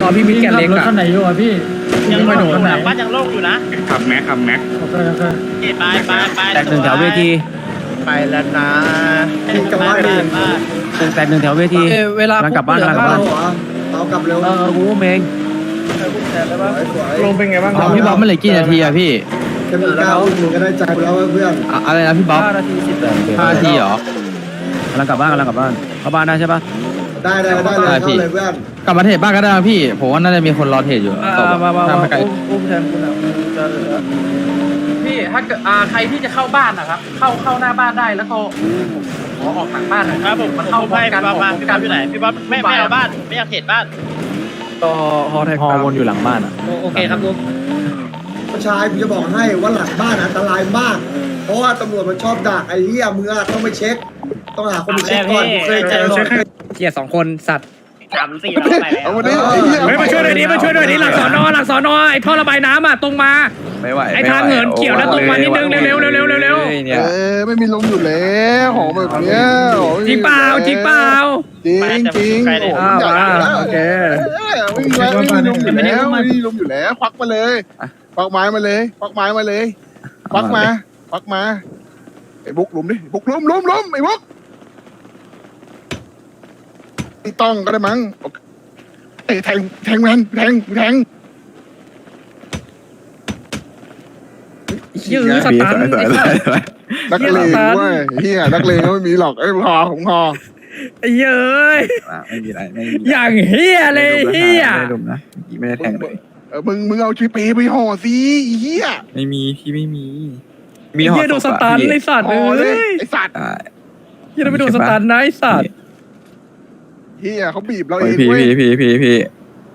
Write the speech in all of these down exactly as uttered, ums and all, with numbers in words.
ตอนพี่มิดแกนเล็กอะรถคันไหนอยู่อ่ะพี่ยังโล่งอยู่หลังบ้านยังโล่งอยู่นะขับแม็กขับแม็กโอเคโอเคไปไปไปแตกหนึ่งแถวเวทีไปแล้วนะจะว่าดีแตกหนึ่งแถวเวทีเวลากำลังกลับบ้านกำลังกลับบ้านเอากลับเร็วเออกูอุ้มเองลงเป็นไงบ้างพี่บ๊อบมันเหลือกี่นาทีอะพี่แค่มีก้าวมึงก็ได้ใจแล้วเพื่อนอะไรนะพี่บ๊อบห้านาทีสิบนาทีห้านาทีเหรอกำลังกลับบ้านกำลังกลับบ้านเข้าบ้านได้ใช่ปะได้ได้ได้เลยเข้าเลยเพื่อนกลับมาเทรดบ้านก็ได้พี่ผมว่าน่าจะมีคนรอเทรดอยู่ตบมามาถ้าไม่ไกลอุ้มแทนคุณอ่ะจะเหลือพี่ถ้าเกิดอ่าใครที่จะเข้าบ้านนะครับ เข้าเข้าหน้าบ้านได้แล้วก็ขอออกหลังบ้านหน่อยครับผมมันเข้าเข้าไปกันประมาณออกพี่บ๊อบอยู่ไหนพี่บ๊อบไม่ไม่เอาบ้านไม่อยากเห็นบ้านต่อฮอแท็กฮอวนอยู่หลังบ้านอ่ะโอเคครับลุงผู้ชายกูจะบอกให้ว่าหลังบ้านอันตรายมาก เพราะว่าตำรวจมันชอบดักไอ้เหี้ยมึงอะต้องไปเช็ค ต้องหาคนไปเช็คก่อนกูเคยเจอเกียร์สองคนสัตว์สามสี่เราไปแล้วเฮ้ยมาช่วยหน่อยดิมาช่วยหน่อยดิหลังสอนอหลังสอนอไอ้ท่อระบายน้ำอ่ะตรงมาไม่ไหวไอ้ทางเหินเขียวแล้วตรงมานิดนึงเร็วๆเร็วๆเร็วเนี่ยเออไม่มีลมอยู่แล้วของแบบเนี้ยๆจริงเปล่าจริงเปล่าจริงจริงโอ้โหใหญ่แล้วโอเคไม่มีไม่มีลมอยู่แล้วไม่มีลมอยู่แล้วควักมาเลยควักไม้มาเลยควักไม้มาเลยควักมาควักมาไอ้บุกลุมดิบุกลุมลุมลุมไอ้บุกไอ้ต้องก็ได้มั้งไอ้แทงแทงแมนแทงแทงยื้อสตันนักเลงเว้ยเฮียนักเลงก็ไม่มีหรอกไอ้พอผมพอไอ้เย้ยไม่มีอะไรไม่มีอย่างเฮียเลยเฮียไม่ดุมนะไม่ได้แทงเลยเออมึงมึงเอาชีเปไปห่อสิเฮียไม่มีพี่ไม่มีเฮียโดนสตันไอ้สัตว์ห่อเลเลยยไอ้สัตว์เฮียไม่โดนสตันนะไอ้สัตว์เฮียเขาบีบเราเอโอ้ยงพี่เว้ยพี่พี่พี่พี่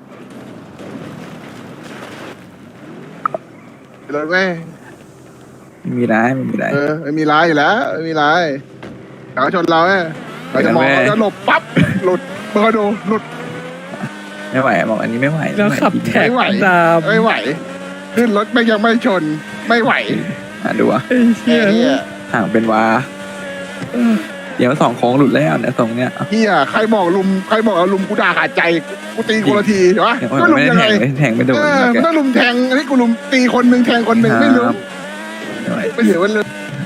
เลยเว้ยไม่มีไรไม่มีไรเออไม่มีร้ายอยู่แล้วไม่มีร้ายเขาชนเราเว้ยเราจะมองเขาจะหลบปั๊บหลุดเมื่อดูหลุดไม่ไหวบอกอันนี้ไม่ไหวแล้วขับแท็กไม่ไหวตามไม่ไหวขึ้นรถไม่ยังไม่ชนไม่ไหวอ่ะดูอ่ะไอ้เฮียเฮียห่างเป็นวาเดี๋ยวสองโค้งหลุดแล้วเนี่ยตรงเนี้ยเฮียใครบอกลุมใครบอกเอาลุมกูด่าขาดใจกูตีคนละทีเหรอเดี๋ยวก็ลุมไม่ได้ยังแทไงงแทงไม่โดนเออมันต้องลุมแทงอันนี้กูลุมตีคนหนึ่งแทงคนหนึ่งไม่รู้ไม่เห็นว่าเลย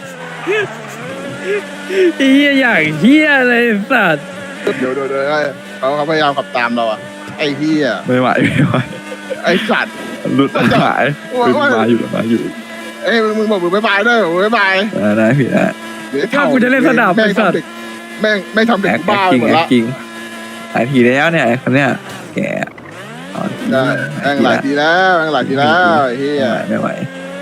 ไอ้เฮียอย่างเฮียเลยสัตว์เดี๋ยวเดี๋ยวเดี๋ยวเขาเขาพยายามขับตามเราอะไอ้เฮียไม่ไหวไม่ไหวไอ้สัตว์หลุดหายเป็นมาอยู่มาอยู่เอ้ยมึงบอกมึงบ๊ายบายด้วยบ๊ายบายนะพี่นะถ้ากูจะเล่นสนามแม่ไอ้งสัตทำว์เด็กแม่งไม่ทำเด็แอก คบ้าจริงหมดแอละคจริงหลายทีแล้วเนี่ยคนเนี้ยแกได้แม่งหลายทีแล้วแม่งหลายทีแล้วไอ้เฮียไม่ไหว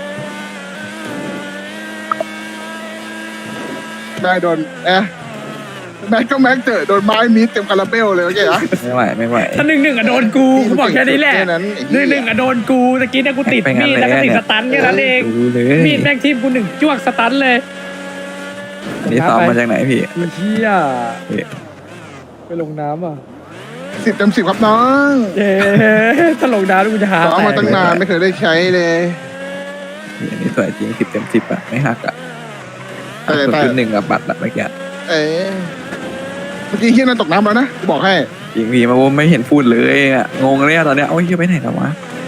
แม่งโดนเอ๊ะแม็กก็แม็กเจอโดนไม้มีดเต็มคาราเบลเลยโอเคเหรอไม่ไหวไม่ไหวถ้าหนึ่งหนึ่งอะโดนกูกูบอกแค่นี้แหละค่นั้นหนึ่งหนึ่งอะโดนกูตะกี้เนี่ยกูติดมีดแล้วก็ติดสตันแค่นั้นเองดูเลยมีดแม่งทีมกูหนึ่งจ้วงสตันเลยอันนี้ซ้อมมาจากไหนพี่ไอ้เฮียไปลงน้ำอ่ะสิบเต็มสิบครับน้องเย้ถ้าลงน้ำแล้วกูจะหาซ้อมมาตั้งนานไม่เคยได้ใช้เลยอันนี้สวยจริงสิบเต็มสิบอะไม่หักอะแต่แต่จุดหนึ่งกับบัตรอะเมื่อกี้เอ๊ะเมื่อกี้เฮียนั่นตกน้ำแล้วนะกูบอกให้จริงพี่มาว่าไม่เห็นพูดเลยอะงงเลยอะตอนเนี้ยโอ้ยไปไหนแล้ววะ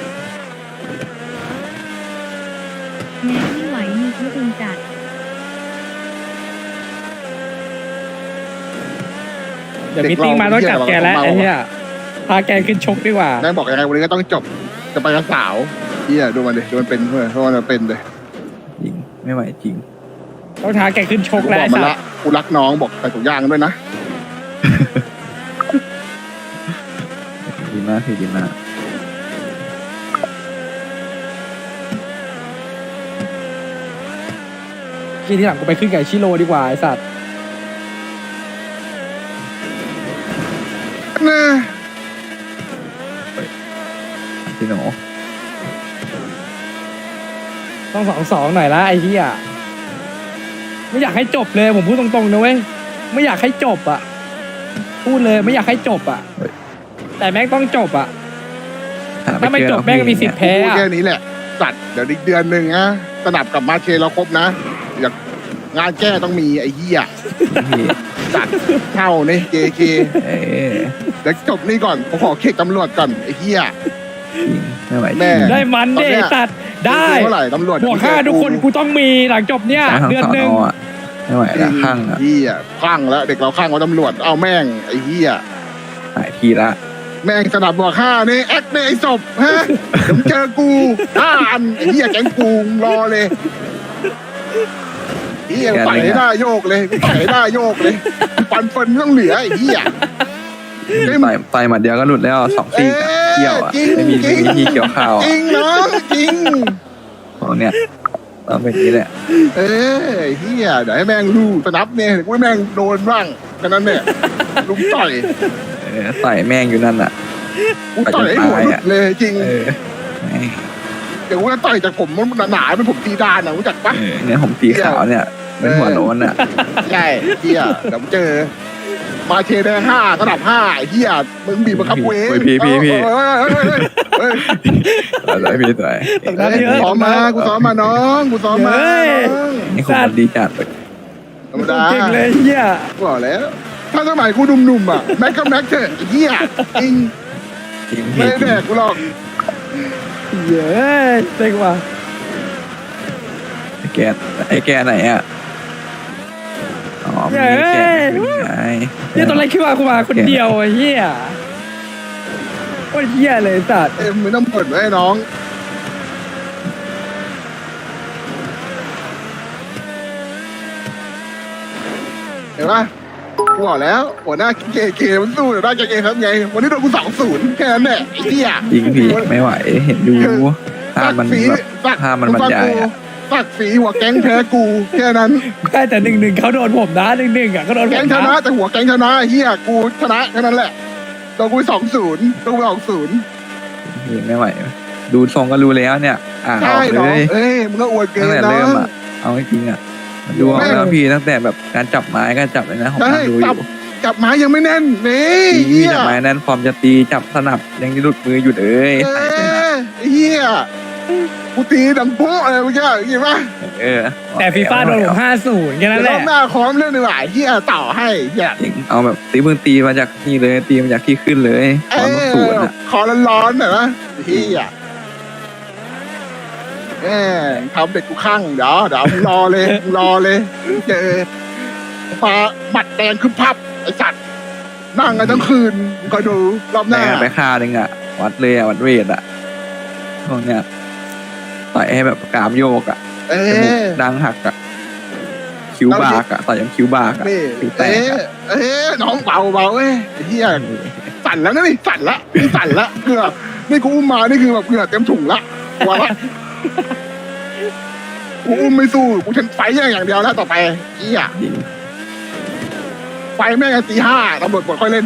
แม้ไม่ไหวมีที่อึงจัดเดี๋ยวมีติ้งมาต้องจับแกแล้วไอ้เหี้ยพาแกขึ้นชกดีกว่านายบอกยังไงวันนี้ก็ต้องจบจะไปกับสาวเฮียดูมันดิดูมันเป็นเพื่อนเพราะมันเป็นเลยจริงไม่ไหวจริงต้องท้าแกขึ้นชกกูแล้วบอไอ้กมันสัละสกูรักน้องบอกใส่ถุงยางด้วยนะดีมากพี่ดีมากทีที่หลังกูไปขึ้นไก่ชิโร่ดีกว่าไอ้สัสนะพี่หนูต้องสองสองหน่อยละไอ้เหี้ยไม่อยากให้จบเลยผมพูดตรงๆนะเว้ยไม่อยากให้จบอ่ะพูดเลยไม่อยากให้จบอ่ะแต่แม่งต้องจบอ่ะ ถ้าไม่จบแม่งมีสิทธิ์แพ้พูดอะแค่นี้แหละตัดเดี๋ยวอีกเดือนหนึ่งนะสนับกับมาเชเราครบนะอยากงานแก้ต้องมีไอ้เหี้ยพี่จัดเท่านี่เจเคเอ้ยเดี๋ยวจบนี่ก่อนผมขอเค้กตำรวจก่อนไอ้เหี้ยจริงไม่ไหวแม่ได้มันเดตัดได้เท่าไหร่ตำรวจบวกห้าทุกคนกูต้องมีหลังจบเนี่ยทั้งเดือนสอนหนึ่งอ่ะไม่ไหวละข้างอ่ะเหี้ยข้างแล้วเด็กเราข้างว่าตำรวจเอาแม่งไอ้เหี้ยหายทีละแม่งสนับบวกห้านี่แอคเนี่ยไอ้ศพฮะเดี๋ยวมึงเจอกูห้าอันไอ้เหี้ยแก๊งกูรอเลยไอ้เหี้ยใส่ให้ได้โยกเลยใส่ให้ได้โยกเลยปันเฟินไม่ต้องเหลือไอ้เหี้ยต่อยต่อยหมัดเดียวก็หลุดแล้วสองซีกอะเกี่ยวอ่ะไม่มีไม่มีที่เกี่ยวข้าวจอ่ะริงเนาะจริงของเนี่ยต้องเป็นอย่างนี้แหละเอ้ยเฮียเดี๋ยวให้แม่งรู้สนับเนี่ยเดี๋ยวกูให้แม่งโดนบ้างแค่นั้นเนี่ยลุมต่อยเออต่อยแม่งอยู่นั่นอ่ะกูต่อยให้หัวหลุดเลยจริงเออแม่งเดี๋ยวกูจะต่อยจากผมมันหนาๆเป็นผมตีดานนะรู้จักปะเออเนี่ยผมสีขาวเนี่ยเป็นหัวโล้นอ่ะใช่เฮียเดี๋ยวมึงเจอมาเชแดงห้าระดับห้าไอ้เฮียมึงบีบบังคับเว้ยโอ้ยพี่พี่พี่เฮ้ยเฮ้ยเฮ้ยเฮ้ยสวยพี่สวยตกน้ำเยอะซ้อมมากูซ้อมมาน้องกูซ้อมมาน้องนี่คนดีจัดเลยธรรมดาเก่งเลยเฮียบอกแล้ว ถ้าสมัยกูหนุ่มๆอ่ะแม็กกับแม็กเถอะไอ้เฮียจริงจริงไม่พี่ได้แดกกูหรอกเย้เต็งว่ะไอ้แกไอ้แกไหนอ่ะอ๋อมีแกไงเฮียตอนแรกคิดว่ากูมาคนเดียวไอ้เฮียโคตรเฮียเลยสัตว์เอ็มไม่ต้องเปิดไว้ให้น้องเห็นปะกูบอกแล้วหัวหน้าเกเกมันสู้หัวหน้าเกเกครับไงวันนี้โดนกูสองศูนย์แค่นั้นแหละไอ้เหี้ยจริงพี่ไม่ไหวเห็นดูภาพมันแบบสักภาพมันบรรยายอะสักสีหัวแก๊งแพ้กูแค่นั้นแค่แต่หนึ่งหนึ่งเขาโดนผมนะหนึ่งหนึ่งอ่ะเขาโดนผแก๊งมชนะนะแต่หัวแก๊งชนะไอ้เหี้ยกูชนะแค่นั้นแหละโดนกูสองศูนย์โดนกูสองศูนย์พี่ไม่ไหวดูทรงก็รู้แล้วเนี่ยอ่านอใช่อกเหรเลอย เอ้ยมึงก็อวดเกิตั้งนแต่นะเริ่มอ่ะเอาจริงอ่ะดูออกแล้วพี่ตั้งแต่แบบการจับไม้การจับเลยนะผมใช่ดูอจับยู่จับไม้ยังไม่แน่นนี่พี่เหี้ยจับไม้นั้นฟอร์มจะตีจับสนับยังหลุดมืออยู่เลยเอใส่เป็นอเฮียกูตีดังโป๊ะอะไรเมื่อกี้เห็นปะเออแต่ฟีฟ่าโดนผมห้าศูนย์แค่นั้นแหเดี๋ยวรอละบหน้าคอมเรื่องดีกว่าเฮียต่อให้เฮียจริงเอาแบบตีมือตีมาจากนี่เลยตีมาจากที่ขึ้นเลยตเออนอศูนย์อ่ะคอร้อนๆหน่อยนะเฮียแหมทำเด็กกูข้างเดี๋ยวเดี๋ยวมึงรอเลยมึงรอเลยเจอปลาหมัดแดงขึ้นพับไอสัตว์นั่งกันทั้งคืนมึงคอยดูรอบหแต่น้าไปฆ่าหนึ่งอ่ะวัดเลยอ่ะวัดเวทอ่ะพวกเนี้ยต่อยให้แบบกรามโยกอ่ะเอจมูกอดังหักอ่ะคิ้วบากอ่ะต่อยยังคิ้วบากอ่ะนี่คิ้วแตเอ๊กะอ่ะเอ๊ะน้องเบาเบาเอ้ยไอ้เฮียสั่นแล้วนะนี่สั่นละนี่สั่นละเกือบนี่กูอุ้มมานี่คือแบบเกือบเต็มถุงละวาละกูอุ้มไม่สู้กูฉันไฟอย่างอย่างเดียวแล้วต่อไปเฮียจริงไฟแม่งตีห้าตำรวจกดค่อยเล่น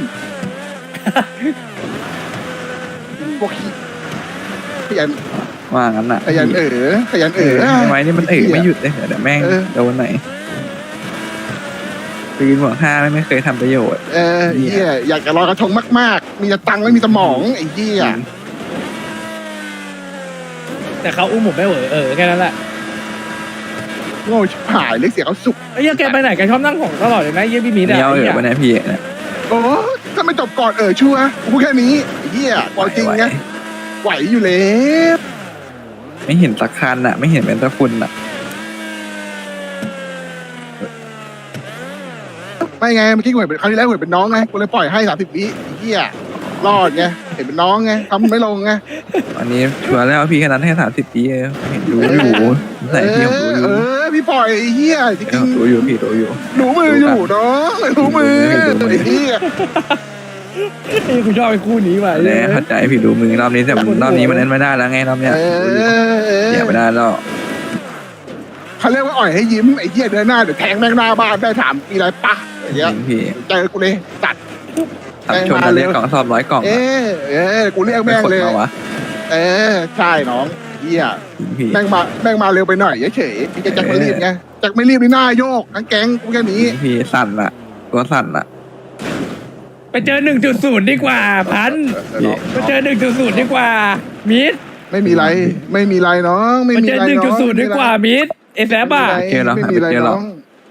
พวกขี้ขยันว่างั้นอ่ะขยันเออขยันเอเอออไม่ไหวนี่มันเออไม่หยุดเลยเดี๋ยวแม่งเออโดนไหนตีนหัวห้าไม่เคยทำประโยชน์เออเฮียอยากจะลอยกระทงมากๆ มีแต่ตังค์ไม่มีสมองไอ้เฮียแต่เขาอุ้มผมไม่เหวอเออแค่นั้นแหละโง่ชิบหายเลยเสียเขาสุกไอ้เหี้ยแกไปไหนแกชอบนั่งของตลอดเลยนะเยี่ยพี่มีเนี้ยเออวันนี้พี่เนี่ยโอ้ถ้าไม่จบก่อนเออชัวร์กูพูดแค่นี้ไอ้เฮียก่อนจริงไหวนะไหวอยู่แล้วไม่เห็นสักคันอ่ะ ไม่เห็นเป็นตะคุณอ่ะไม่ไงเมื่อกี้กูเห็นเป็นคราวที่แล้วกูเห็นเป็นน้องไงกูเลยปล่อยให้สามสิบวิไอ้เฮียรอดไงเห็นเป็นน้องไงทำไม่ลงไงวันนี้ชัวร์แล้วพี่แค่นั้นให้สามสิบปีเองเห็นดูอยู่ใส่พี่ผมดูอเอยู่ อพี่ปล่อยไอ้เฮียจเอริอง ดูอยู่พี่ดูอยู่ๆหนูมืออยู่น้องหนูมือไอ้เฮียไอ้กูชอบไอ้คู่นี้ว่ะแน่เข้าใจพี่ดูมือรอบนี้แต่รอบนี้มันเล่นไม่ได้แล้วไงรอบเนี้ยเออเสียไม่ได้แล้วเขาเรียกว่าอ่อยให้ยิ้มไอ้เหี้ยเดินหน้าเดี๋ยวแทงแม่งหน้าบ้านได้ถามมีอะไรปะอย่างเงี้ยพี่เจอกูเลยตัดทำชนกันเรียกกล่องสอบร้อยกล่องเออเออกูเรียกแม่งเลยมาวะเออใช่น้องเหี้ยพี่แม่งมาแม่งมาเร็วไปหน่อยเฉยๆพี่จะจักไม่รีบไงจักไม่รีบในหน้าโยกทั้งแก๊งกูแค่นี้พี่สั่นอะตัวสั่นอะไปเจอหนึ่งจุดศูนย์ดีกว่าพันพี่ไปเจอหนึ่งจุดศูนย์ดีกว่ามิดไม่มีไรไม่มีไรน้องไม่ไปมีเจอไรหนึ่งน้จุดองศูนย์ดีกว่ามิดเอแซบอ่ะไม่มีไรน้อง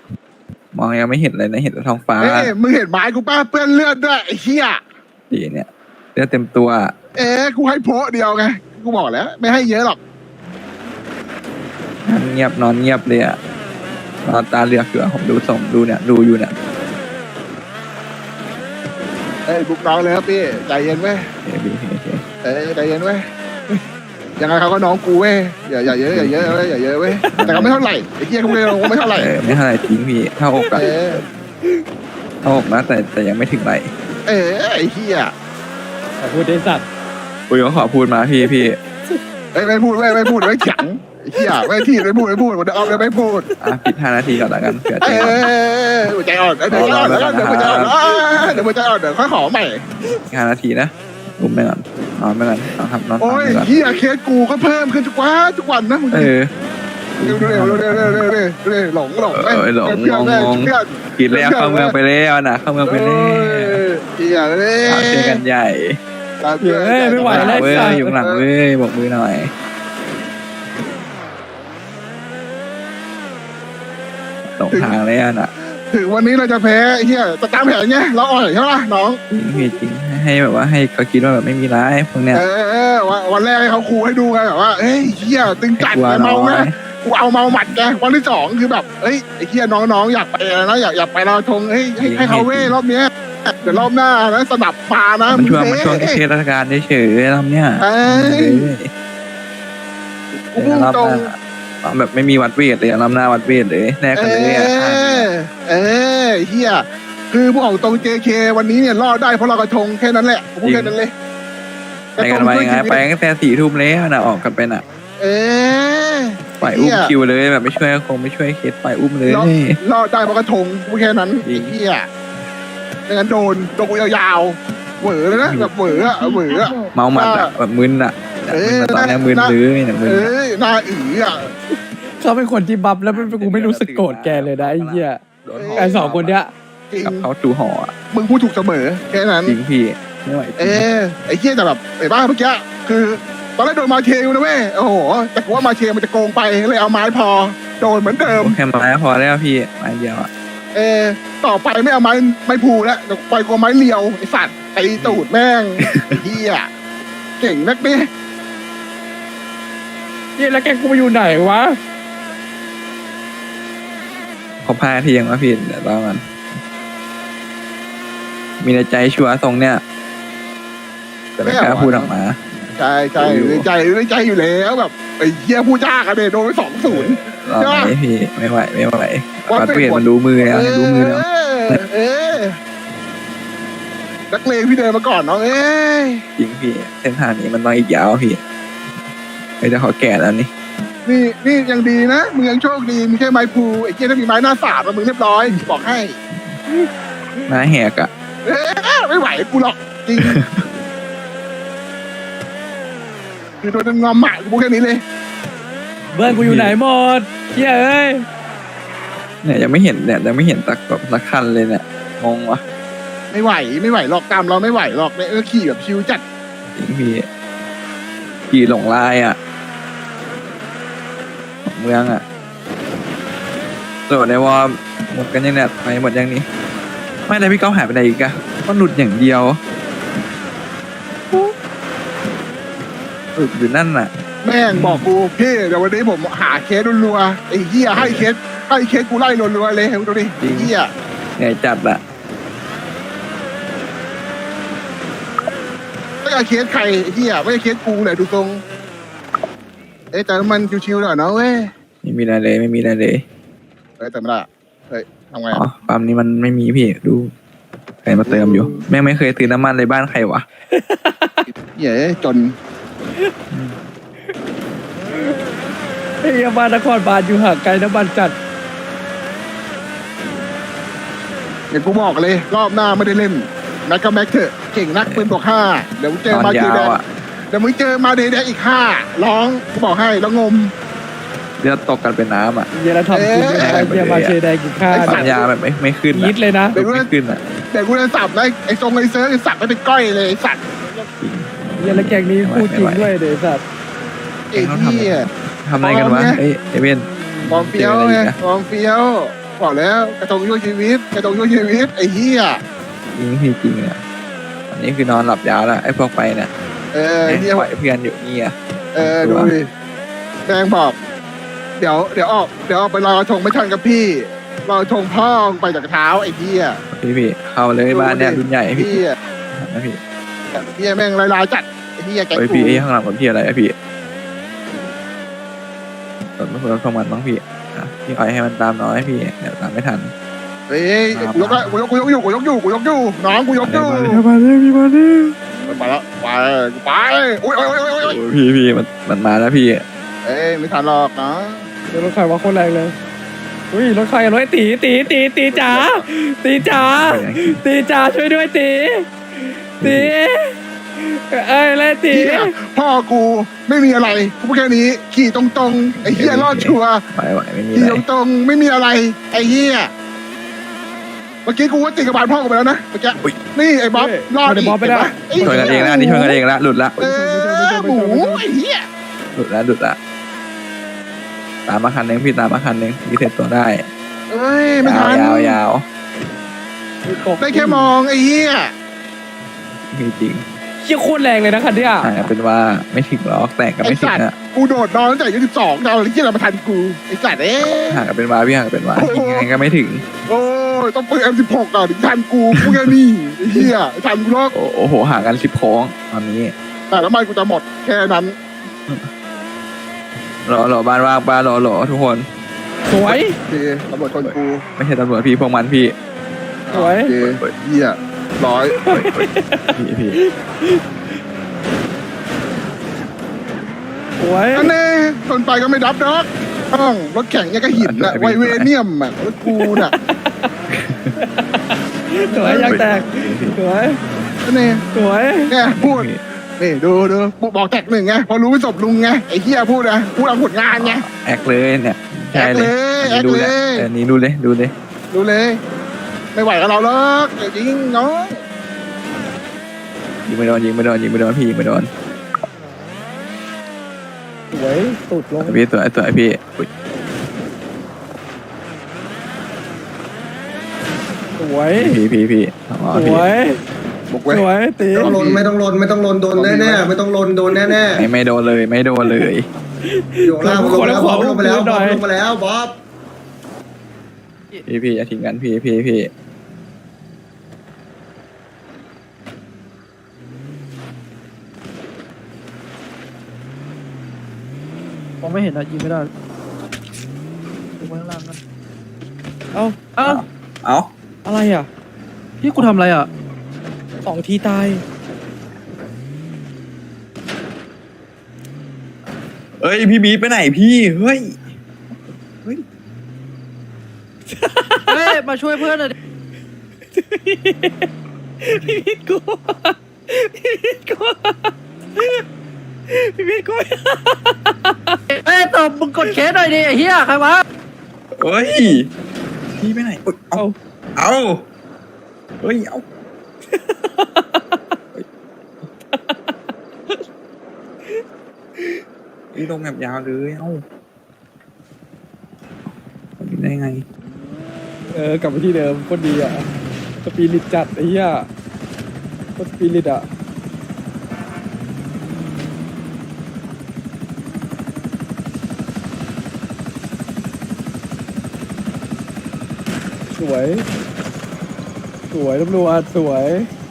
มองยังไม่เห็นเลยนะเห็นแต่ท้องฟ้าเอ้ยมึงเห็นไม้กูป้าเปื้อนเลือดด้วยไอ้เหี้ยดีเนี่ยเลือดเต็มตัวเอ๊ะกูให้โพะเดียวไงกูบอกแล้ว ไม่ให้เยอะหรอกนั่งเงียบนอนเงียบเลยอะนอนตาเหลือกอยู่อะผมดูส่งดูเนี่ยดูอยู่เนี่ยเอ้ยบุกน้องเลยครับพี่ใจเย็นเว้ยโอเคพี่โอเคเอ้ยใจเย็นเว้ยยังไงเขาก็น้องกูเว้ยอย่าอย่าเยอะอย่าเยอะเว้ยอย่าเยอะเว้ยแต่ก็ไม่เท่าไหร่ไอ้เหี้ยเขาไม่ไม่เท่าไหร่เออไม่เท่าไหร่ทิ้งพี่เท่าอกอะเออเท่าอกนะแต่แต่ยังไม่ถึงไหลเออไอ้เหี้ยขอพูดได้สัตว์อุ้ยก็ขอพูดมาพี่พี่เอ้ยไม่พูดไม่ไม่พูดไม่เถียงไอ้เหี้ยไม่ที่ไม่พูดไม่พูดวันเดียวเอาเลยไม่พูดอ่ะปิดห้านาทีก่อนละกันเผื่อเอใจอหัวใจอ่อนเดี๋ยวใจอ่อนเดี๋ยวหัวใจอ่อนเดี๋ยวหัวใจอ่อนเดี๋ยวค่อยขอใหม่ห้านาทีนะอุ้มไปก่อนนอนไปก่อนนอนทำนอนโอ้ทำยไปก่อนเหี้ยเคสกูก็เพิ่มขึ้นทุกวันทุกวันนะมึงเออเร็วเร็วเร็วเร็วเร็วเร็วเร็วเร็วหลงหลงเออหลงเพื่อนงงงเพื่อนกินแล้วเข้าเมืองไปแล้วนะเข้าเมืองไปแล้วเหี้ยเลยเอาเจอกันใหญ่เฮ้ยไม่ไหวแล้วเว้ยสัตว์อยู่ข้างหลังเว้ยบอกมือหน่อยตรงทางเลยอ่ะน่ะถึงวันนี้เราจะแพ้เฮียจะตามแผนไงเราอ่อยใช่ไหมน้องจริงพี่จริงให้แบบว่าให้เขาคิดว่าแบบไม่มีร้ายพวกเนี้ยเออเออวันวันแรกให้เขาคูให้ดูไงแบบว่าเฮ้ยเฮียตึงจัดกลัวไงน้เมาอไงยกูเอาเมาหมัดไงวันที่สองคือแบบเฮ้ยไอ้เฮียน้องๆอยากไปนะอยากอยากไปลอยธงเฮ้ยให้ให้เขาเว้ยรอบเนี้ยเดี๋ยวรอบหน้านะสนับมานะมันช่วงงมันช่วงเอ้ยเทศราชการเฉยๆทำเนี่ยเอ้ย กูพูดรอบตรงหน้าเอาแบบไม่มีวัดเวทเลยรอบหน้าวัดเวทเลยแลกเอกันเลยอ่ะอเออเฮียคือพวกของตรง เจ เค วันนี้เนี่ยรอดได้เพราะเรากระทงแค่นั้นแหละผมพูดแค่นั้นเลยไปกันไปไงไปตั้งแต่สี่ทุ่มแล้วนะออกกันไปน่ะเออปล่อยอุ้มคิวเลยแบบไม่ช่วยคงไม่ช่วยเคสปล่อยอุ้มเลยรอดรอดได้เพราะกระทงพูดแค่นั้นจริไอ้งเหี้ยไม่งั้นโดนโดนกูยาวๆเหวอเลยนะแบบเหวออะเหวออะเมาหมัดอะแบบมึนอะเออมึนตอนนี้มึนเลยเนี่ยมึนเอ้ยหน้าอีอะเขาเป็นคนที่บัฟแล้วไม่กูไม่รู้สึกโกรธแกเลยนะไอ้เหี้ยไอ้สองคนเนี้ยจริงกับเขาจูห่ออะมึงพูดถูกเสมอแค่นั้นจริงพี่ไม่ไหวจเอริงอไอ้เหี้ยแต่แบบไอ้บ้าเมื่อกี้คือตอนแรกโดนมาเชลนะเว้ยโอ้โหแต่กูว่ามาเชลมันจะโกงไปเลยเอาไม้พอโดนเหมือนเดิมโอเคไม้พอแล้วพี่ไม้เดียวอะเออต่อไปไม่เอาไม้ไม้พูแล้วเดี๋ยวปล่อยกูเอาไม้เลียวไอ้สัตว์ตีตูดแม่งไอ้เหี้ยเก่งนักดิเหี้ยแล้วแกกูไปอยู่ไหนวะขอพาทียังวะพี่เดี๋ยวรอมันมีในใจชัวร์ทรงเนี่ยแต่ไม่กล้าพูดออกมาใช่ใช่ในใจในใจอยู่แล้วแบบไอ้เหี้ยผู้จ้ากันเดโดนไปสองศูนย์รอไหมพี่ไม่ไหวไม่ไหววัดวัดเป็นเวทผลมันรู้มือแล้วรู้มือแล้วเออเออนักเลงพี่เดินมาก่อนน้องเอ้ยจริงพี่เส้นทางนี้มันต้องอีกยาวพี่ไอ้เดี๋ยวเขาแก่แล้วนี่นี่นี่ยังดีนะมึงยังโชคดีมีแค่ไม้พูไอ้เหี้ยถ้ามีไม้หน้าสามอะมึงเรียบร้อยบอกให้หน้าแหกอะเอ้ยไม่ไหวกูหรอกจริงคือโดนงอมหมากูพูดแค่นี้เลยเบิร์นกูอยู่ไหนหมดเหี้ยเอ้ยเนี่ยยังไม่เห็นเนี่ยยังไม่เห็นตักแบบสักคันเลยเนี่ยงงวะไม่ไหวไม่ไหวหรอกตามเราไม่ไหวหรอกเนี่ยเออขี่แบบชิวจัดจริงพี่ขี่หลงลายอะของเมืองอะโหลดในวอร์มหมดกันยังเนี่ยไปหมดยังนี้ไม่ได้พี่ก้าวหายไปไหนอีกอะก็หลุดอย่างเดียวหลุดอยู่นั่นน่ะแม่งบอกกูพี่เดี๋ยววันนี้ผมหาเคสรัวๆไอ้เหี้ยให้เคสให้เคสกูไล่รัวๆเลยดูดิไอ้เหี้ยเหนื่อยจัดอะไม่ใช่เคสใครไอ้เหี้ยไม่ใช่เคสกูเลยดูตรงเอ๊ะแต่มันชิวๆหน่อยเนาะเว้ยไม่มีอะไรเลยไม่มีอะไรเลยเฮ้ยแต่ไม่ได้เฮ้ยทำไงอ๋ออะปั๊มนี้มันไม่มีพี่ดูใครมาเติมอยู่แม่งไม่เคยซื้อน้ำมันในบ้านใครวะเหี้ยจนไอ้เหี้ยบ้านนครบาลอยู่ห่างไกลน้ำมันจัดเดี๋ยวกูบอกเลย รอบหน้าไม่ได้เล่นแม็กก็แม็กเถอะเก่งนักปืนบอกห้าเดี๋ยวมึงเจนออนมาเจยาแดวงอะเดี๋ยวมึงเจอมาเดแดงอีกห้าร้องกูบอกให้แล้วงมเลือดตกกันเป็นน้ำอะเหี้ยแล้วทำกูไม่ได้เหี้ยมาเชยแดงกินข้าวปัญญาแบบไม่ไม่ขึ้นยิดเลยนะไม่ขึ้นอะแต่กูจะสับนะไอ้ทรงไอ้เซิร์ฟไอ้สับไม่เป็นก้อยเลยไอ้สัตว์เหี้ยแล้วแกงนี้คู่จริงด้วยเดี๋ยวสัตว์ไอ้เหี้ยทำอะไรกันวะเอ้ยเอเวนฟอร์มเฟี้ยวไงฟอร์มเฟี้ยวบอกแล้วกระทงช่วยชีวิตกระทงช่วยชีวิตไอ้เหี้ยจริงพี่จริงเนี่ยอันนี้คือนอนหลับยาวแล้วไอ้พวกไปเนี่ยเออไอ้เหี้ยปล่อยเพื่อนอยู่นี่อ่ะเออดูดิแดงบอก เดี๋ยวเดี๋ยวออกเดี๋ยวออกไปลอยกระทงไม่ทันกับพี่ลอยกระทงพ่อไปจากเท้าไอ้เหี้ยพี่พี่เข้าเลยบ้านเนี่ยรุ่นใหญ่พี่เหี้ยนะพี่เหี้ยแม่งลายๆจัดไอ้เหี้ยแกงไอ้ยกูพี่ไอ้ข้างหลังผมพี่อะไรอะพี่รถไม่ควรเข้ามันบ้างพี่อ่ะพี่อ่อยให้มันตามน้อยพี่เดี๋ยวตามไม่ทันเฮ้ยกูยกละกูยกกูยกอยู่กูยกอยู่กูยกอยู่น้องกูยกอยู่มาเลยมาเลยพี่มาเลยไปแล้วไปกูไปโอ้ยโอ้ยโอ้ยโอ้ยโอ้ยโอ้ยพี่พี่มันมันมาแล้วพี่เอ้ยไม่ทันหรอกนะเดี๋ยวรถใครว่าโคตรแรงเลยอุ้ยรถใครรถไอ้ตีตีตีตีจ๋าตีจ๋าตีจ๋าช่วยด้วยตีตีเอ้ยเลยตีเหี้ยพ่อกูไม่มีอะไรกูพูดแค่นี้ขี่ตรงๆไอ้เหี้ยรอดชัวร์ไหวไหวไม่มีขี่อะไรตรงๆไม่มีอะไรไอ้เหี้ยเมื่อกี้กูว่าติดกับบานพ่อกูไปแล้วนะเมื่อกี้นี่ไอ้บ๊อบรอดอีกบ๊อบไม่ได้เห็นปะช่วยกันเองละอันนี่ช่วยกันเองละหลุดละเออหมูไอ้เหี้ยหลุดละหลุดละตามมาคันหนึงพี่ตามมาคันหนึงพี่เสร็จตัวได้เอ้ยไม่ยาทัวน ยาวยาวได้แค่มองไอ้เหี้ยมีจริงเชี่ยโคตรแรงเลยนะคันเนี้ยห่างกันเป็นว่าไม่ถึงหรอกแต่ก็ไอ้ไม่ถึงสัตว์อะกูโดดนอนตั้งแต่อายุสิบสองดาวอะไรที่อะไรมาทันกูไอ้สัตว์เอ้ยห่างกันเป็นว่าพี่ห่างกันเป็นว่ายังไงก็ไม่ถึงโอ้ยต้องเปิด เอ็ม สิบหก ก่อนถึงทันกูพูดแค่นี้ไอ้เหี้ยทันกูหรอกโอ้โหห่างกันสิบโค้งตอนนี้แต่น้ำมันกูจะหมดแค่นั้นรอรอบ้านว่างป้ารอรอทุกคนสวยโอเคตำรวจชนกูไม่ใช่ตำรวจพี่พวกมันพี่สวยโอเคเหี้ยร้อยพี่พี่สวยอันนี้ชนไปก็ไม่ดับดอกต้องรถแข่งเนี่ยก็หินอะไวเวเนียมอะรถกูน่ะสวยยังแตกสวยอันนี้สวยแกพูดนี่ดูดูบอกแท็กหนึ่งไงพอรู้ไม่จบลุงไงไอ้เหี้ยพูดนะพูดเอาผลงานไงแอคเลยเนี่ยใช่เลยแอคเลยดูเลยแอคเลยอันนี้ดูเลยดูเลยดูเลย ไม่ไหวกับเราหรอกเดี๋ยวจริงน้องยิงไม่โดนยิงไม่โดนยิงไม่โดนพี่ยิงไม่โดนสวยสุดลงพี่สวยสวยพี่อุ๊ยสวยพี่พี่พี่อ๋อสพี่วยบุกเว้ยสวยตีไม่ต้องลนไม่ต้องลนไม่ต้องลนโดนแน่ๆไม่ต้องลนโดนแน่ไม่ไม่โดนเลยไม่โดนเลยๆอยู่ล่างลงมาแล้วบ๊อบลงมาแล้วบ๊อบลงมาแล้วบ๊อบพี่พี่อย่าทิ้งกันพี่พี่พี่ผมไม่เห็นอะยิงไม่ได้ดูข้างล่างกันเอ้าเอ้าเอ้าอะไรอ่ะพี่กูทำอะไรอ่ะสองทีตายเอ้ยพี่บีไปไหนพี่เฮ้ยเฮ้ยมาช่วยเพื่อนหน่อยดิพี่พิษกูพี่พิษกูพี่พิษกูเฮ้ยตบมึงกดเคสหน่อยดิไอ้เหี้ยใครวะเฮ้ยพี่ไปไหนอุ๊ยเอาเอาเอาเฮ้ยเอาพี่ลงแบบยาวเลยเอ้าได้ไงเออกลับไปที่เดิมโคตรดีอ่ะสปีริตจัดไอ้เหี้ยโคตรสปีริตอ่ะสวย สวยตำรวจสวย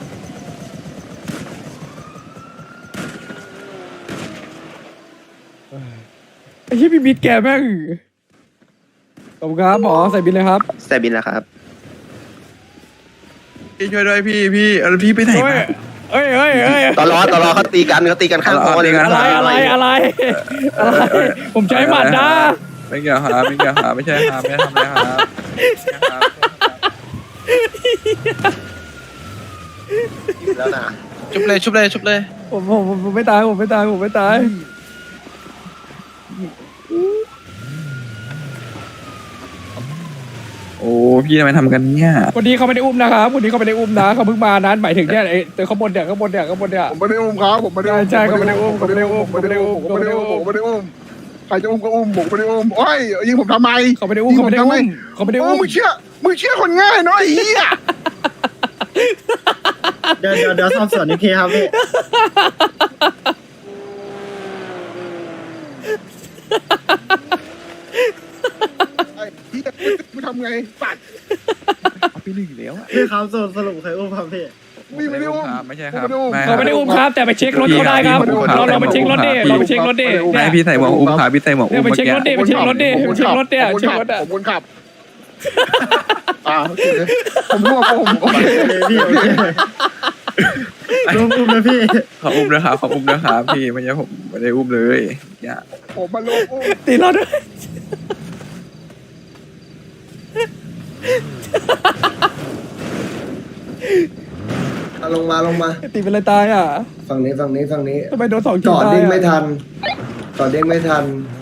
ไอ้เหี้ยพี่บิดแกแม่งขอบคุณครับหมอใส่บินเลยครับใส่บินแล้วครับพี่ช่วยด้วยพี่พี่เออพี่ไปไหนเฮ้ยมาเฮ้ยเฮ้ยเฮ้ยตอนรอตอนรอเขาตีกันเขาตีกันข้างคอเลยเอานะเอาอะไรอะไรอะไรอะไรผมใช้หมัดนะไม่เกี่ยวครับไม่เกี่ยวครับไม่ใช่ครับไม่ได้ทำอะไรครับไม่ใช่ครับแล้วนะชุบเลยชุบเลยชุบเลยผมผมผมผมไม่ตายผมไม่ตายผมไม่ตายโอ้พี่ทำไมทำกันเนี่ยคนนี้เขาไม่ได้อุ้มนะครับคนนี้เขาไม่ได้อุ้มนะเขาเพิ่งมานั้นหมายถึงเนี่ยไอ้ตัวข้างบนเนี่ยข้างบนเนี่ยข้างบนเนี่ยผมไม่ได้อุ้มครับผมไม่ได้อุ้มใช่ใช่เขาไม่ได้อุ้มเขาไม่ได้อุ้มผมไม่ได้อุ้มผมไม่ได้อุ้มผมไม่ได้อุ้มใครจะอุ้มก็อุ้มผมไม่ได้อุ้มโอ้ยยิงผมทำไมเขาไม่ได้อุ้มเขาไม่ได้อุ้มเขาไม่ได้โอ้อุ้มมึงเชื่อมึงเชื่อคนง่ายเนาะไอ้เหี้ยเดี๋ยวเดี๋ยวเดี๋ยวสอบสวนอีกทีครับพี่ไอ้เหี้ยมึงทำไงปัดเอาไปหนึ่งแล้วอะพี่ครับสรุปสรุปใครอุ้มครับพี่มึงไม่ได้อุ้มครับไม่ใช่ครับไม่ได้อุ้มเขาไม่ได้อุ้มครับแต่ไปเช็ครถเขาได้ครับเราเราไปเช็ครถดิเราไปเช็ครถดิไม่เนี่ยพี่ใส่หมวกอุ้มครับพี่ใส่หมวกเนี่อุ้ยมไปเมื่อเช็คกี้รถดิไปเช็ครถดิไปเช็ครถดิผมเช็ครถขัอ่ะบผมคนขับอ่าโอเคผมรู้ว่าผมโอเคพี่อุ้มอุ้มนะพี่เขาอุ้มนะครับเขาอุ้มนะครับพี่ไม่ใช่ผมไม่ได้อุ้มเลยอย่าผมมาลงอุ้มตีเราด้วยเอาลงมาลงมาตีเป็นอะไรตายอ่ะฝั่งนี้ฝั่งนี้ฝั่งนี้ทำไมโดนสองจทีอดตายเด้งไม่อ่ะทันจอดเด้งไม่ทัน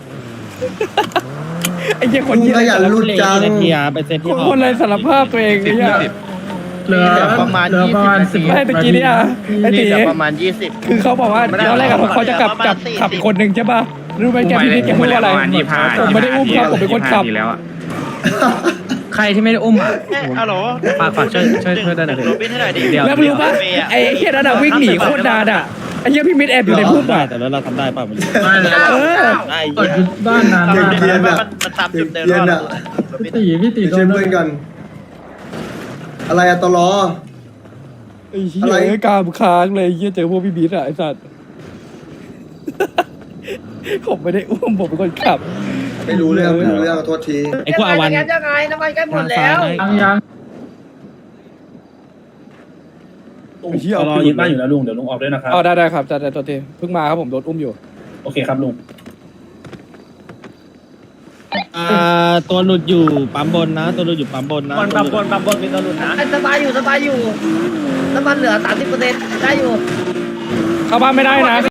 ไอ้เหี้ยคนมึงเหี้ยขยันหลุดจังคนคนอะไรสารภาพตัวเองไอ้เหี้ยเหลือประมาณยี่สิบไม่ตะกี้เนี่ยไอ้ตีเหลือประมาณยี่สิบคือเขาบอกว่าตอนแรกอะเขาจะกลับกลับขับอีกคนหนึ่งใช่ป่ะรู้ไหมแกพี่นิดแกพูดว่าอะไรผมไม่ได้อุ้มครับผมเป็นคนขับใครที่ไม่ได้อุ้มอ่ะฮัลโหลฝากฝากช่วยช่วยช่วยด้วยหน่อยโรบินให้หน่อยดิแล้วรู้ป่ะไอ้เหี้ยนั่นอะวิ่งหนีโคตรนานอะไอ้เหี้ยพี่มิดแอบอยู่ในพุ่มอะแต่แล้วเราทำได้ป่ะมันเออได้บ้านนานมันตามจุดเดิมเย็นอะตีพี่ตีไปช่วยเพื่อนกัน อะไรอะตลอไอ้เหี้ยกล้ามค้างเลยไอ้เหี้ยเจอพวกพี่บิ๊ดอะไอ้สัตว์ ผมไม่ได้อุ้มผมเป็นคนขับไม่รู้เรื่องไม่รู้เรื่องขอโทษทีไอ้พวกอาวันยังไงน้ำมันใกล้หมดแล้วยังยังไอ้เหี้ยรอยึดบ้านอยู่แล้วลุงเดี๋ยวลุงออกด้วยนะครับอ๋อได้ได้ครับได้ได้ตัวทีเพิ่งมาครับผมโดนอุ้มอยู่โอเคครับลุงอ่าตัวหลุดอยู่ปั๊มบนนะ ตัวหลุดอยู่ปั๊มบนนะบนปั๊มบนปั๊มบนมีตัวหลุดนะสบายอยู่สบายอยู่น้ำมันเหลือสามสิบเปอร์เซ็นต์ได้อยู่เข้าบ้านไม่ได้นะ